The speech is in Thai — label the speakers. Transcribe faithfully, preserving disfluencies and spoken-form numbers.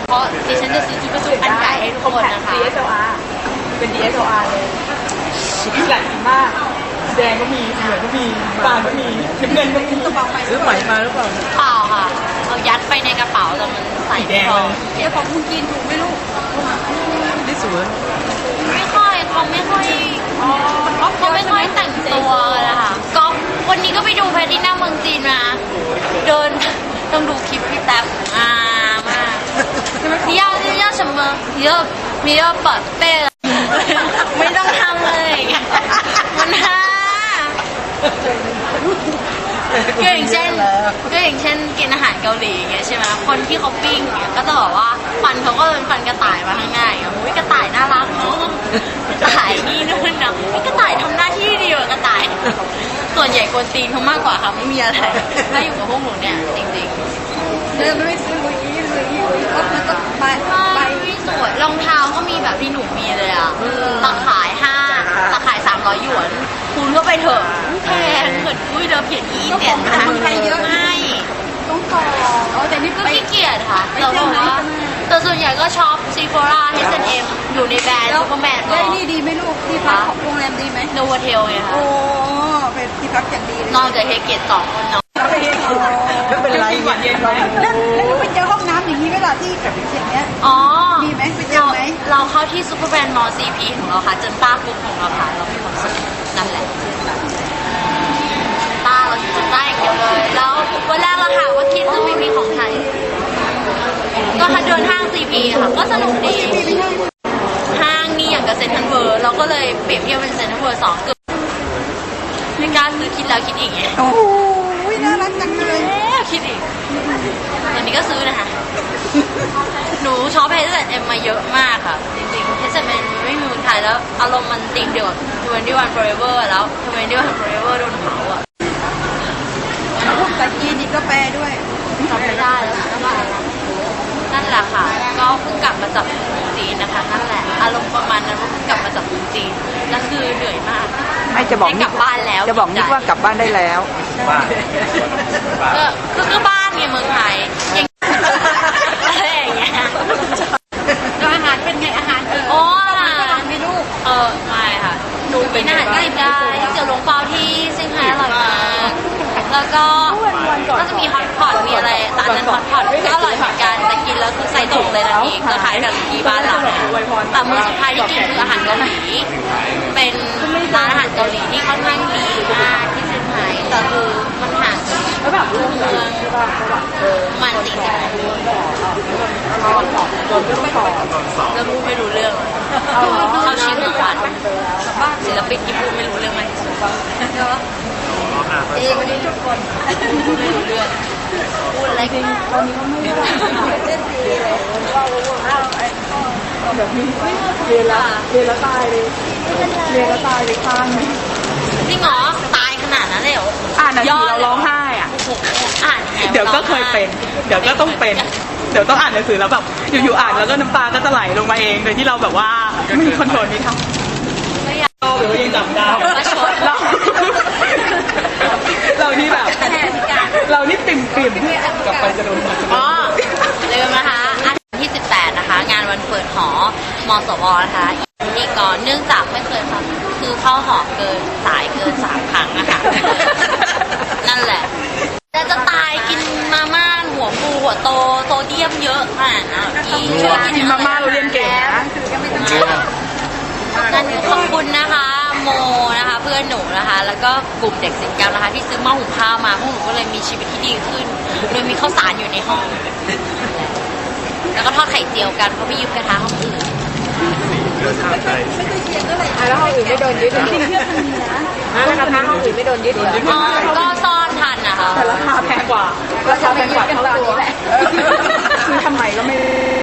Speaker 1: เพราะดิฉันจะซื้อจุกระจุกอันใหญ่ให้ทุกคนนะคะ
Speaker 2: ดี เอส แอล อาร์ เป็น ดี เอส แอล อาร์ เลยหลายสีมากแดงก็มีเหลืองก็มีฟางก็มีน้ำเงินก็มีกระเป๋าไปซื้อใหม่มาหรือเปล่า
Speaker 1: เปล่าค่ะเอายัดไปในกระเป๋าแต่มันใส่ไม่พอ
Speaker 2: เดี๋ยวของคุณกินถูกไหมลูกนี่สวย
Speaker 1: ไม่ค่อยเขาไม่ค่อยเขาไม่ค่อยแต่งตัวเลยค่ะก็วันนี้ก็ไปดูแพทที่หน้าเมืองจีนมาเดินต้องดูคลิปพี่แท็บอ่ามาก你要要什么你要你要宝贝ไม่ต้องทำเลยมันฮาก็อย่างเช่นก็อย่างเช่นกินอาหารเกาหลีอย่างเงี้ยใช่ไหมคนที่เขาปิ้งเนี่ยก็จะบอกว่าฟันเขาก็เป็นฟันกระต่ายมาข้างหน้าอย่างเงี้ยอุ้ยกระต่ายน่ารักเนาะกระต่ายนี่นู่นนะกระต่ายทำหน้าที่ดีกว่ากระต่ายส่วนใหญ่กวนตีนเขามากกว่าค่ะไม่มีอะไรถ้าอยู่กับพวกหนูเนี่ยจริงๆ
Speaker 2: เดินไม่ซื้อลุยลุยลุยก็มันก็ไปไป
Speaker 1: สวยรองเท้าก็มีแบบที่หนูมีเลยอ่ะตะขายห้าตะขายสามร้อยหยวนคุณก็ไปเถอะแพงเหมือนอุ้ยเราเขียนอีเจ็ดนะ
Speaker 2: คนไทยเยอะ
Speaker 1: ให้
Speaker 2: ต้องต่ออ๋อแต่นี่
Speaker 1: ก็ขี้เกียจค่ะแต่ว่าแต่ส่วนใหญ่ก็ช็อปซีโฟรา เอช แอนด์ เอ็ม อยู่ในแบรนด์ซูเปอร์แมน
Speaker 2: ได้นี่ดีไหมลูกที่พักของโรงแรมดีไหม
Speaker 1: โนวาเทลไงคะ
Speaker 2: โอ้เป็นที่พักอย่างดีเลย
Speaker 1: นอนกับเฮเกตสองคนนอน
Speaker 2: ไม่เป็นไรเย็นๆแล้วแล้วไปเจอห้องน้ำอย่างนี้เวลาที่แบบอย่างเงี้ย
Speaker 1: อ๋อ
Speaker 2: มีไหมไปเจอไหม
Speaker 1: เราเข้าที่ซูเปอร์แบรนด์มอลซีพีของเราค่ะจนต้ากรุ๊ปของเราค่ะเรามีความสุขนั่นแหละต้าเราอยู่จนได้อย่างเดียวเลยแล้ววันแรกเราถามว่าคิดจะไม่มีของไทยก็เดินห้างซีพีค่ะก็สนุกดีห้างนี่อย่างกับเซ็นทรัลเวิลด์เราก็เลยเปรียบเทียบเป็นเซ็นทรัลเวิลด์สองเกือบไม่กล้าซื้อคิดแล้วคิดอีกไง
Speaker 2: โอ้ยน่ารักจังเลย
Speaker 1: คิดอีกตอนนี้ก็ซื้อนะคะหนูช็อปเฮสเอ็มมาเยอะมากค่ะจริงๆเฮสเอ็มไม่มีเมืองไทยแล้วอารมณ์มันติดเดียวกับทเวนตี้วันโฟร์เอเวอร์แล้วทเวนตี้วันโฟร์เอเวอร์โดนเผาอ่ะ
Speaker 2: แต่จีนนี่ก็แปลด้วย
Speaker 1: ทำไม่ได้แล้วนั่นแหละค่ะก็เพิ่งกลับมาจากเมืองจีนนะคะนั่นแหละอารมณ์ประมาณนั้นว่าเพิ่งกลับมาจากเมืองจีนแล้วคือเหนื่อยมาก
Speaker 2: ไม่จะบอก
Speaker 1: กลับบ้านแล้ว
Speaker 2: จะบอกนิดว่ากลับบ้านได้แล้ว
Speaker 1: ก็คือก็บ้านไงเมืองไทยอย่างอะไรอย่างเงี้ยแล้วอาหารเป็นไงอาหารเอออ๋ออาหารมีลูกเออไม่ค่ะหนูเป็นอาหารใกล้ได้เตี๋ยวหลงเปาที่เซี่ยงไฮ้อร่อยมากแล้วก็ก็จะมีฮอตพอตมีอะไรแต่อันนั้นฮอตพอตก็อร่อยเหมือนกันแต่กินแล้วคือใส่ถุงเลยนะพี่ก็ขายแบบที่บ้านเราแต่มื้อสุดท้ายที่กินคืออาหารเกาหลีเป็นร้านอาหารเกาหลีที่ค่อนข้างดีมากที่เซี่ยงไฮ้แต่คือมันห่างจากเมืองมันสี่สิบนาทีแล้วพูดไม่รู้เรื่องเขาชิ้นทุกวันศิลปินที่พูดไม่รู้เรื่องมันเอ๊ะวันนี้ทุกคนพูดไม่รู้เรื่องพูดอะไรกันตอนนี้ก็ไม่รู้เต้นดีเลยว่าว่า
Speaker 2: แบบนี้เรียนแล้วเรียนแล้วตายเลยเรียนแล้วตายเลยข้างนึง
Speaker 1: จริงเหรอตายขนาดนั้นเลยเหรอ
Speaker 2: อ่านหนังสือเราร้องไห้อ่ะ
Speaker 1: อ่าน
Speaker 2: เดี๋ยวก็เคยเป็นเดี๋ยวก็ต้องเป็นเดี๋ยวต้องอ่านหนังสือแล้วแบบอยู่ๆอ่านแล้วก็น้ำตาก็จะไหลลงมาเองโดยที่เราแบบว่าไม่มีคอนโทรลไม่ทำเราหรือว่ายังจำได้เราเรานี่แบบเรานี่ปิ่มปิ่มกลับไปจะโดน
Speaker 1: อ๋อลืมนะคะอาทิตย์ที่สิบแปดนะคะงานวันเปิดหอมสวนะคะอีกก่อนเนื่องจากไม่เคยค่ะคือเข้าหอเกินสายเกินสามครั้งนะคะนั่นแหละแต่จะตายกินมาม่าหัวปูหัวโตโซเดียมเยอะขนาดนั้นกินช่วย
Speaker 2: กินมาม่าเราเรียนเก่งนะ
Speaker 1: งั้นขอบคุณนะคะโมนะคะเพื่อนหนูนะคะแล้วก็กลุ่มเด็กศิลป์กรรมนะคะที่ซื้อหม้อหุงข้าวมาพวกหนูก็เลยมีชีวิตที่ดีขึ้นโดยมีข้าวสารอยู่ในห้องแล้วก็ทอดไข่เจียวกันเพราะไม่ยืมกระทะห้องอื่น
Speaker 2: ไม่เคยเขียนเท่าไหร่แล้วห้องอื่นไม่โดนยึดจริงๆเพื่อนมันมีนะแล้วกระทะห้องอื่นไม่โดนยึด
Speaker 1: อ๋อก็ซ่อนทันนะคะ
Speaker 2: แต่ราคาแพงกว่าราคาแพงกว่าเท่าตัวคือทำไมก็ไม่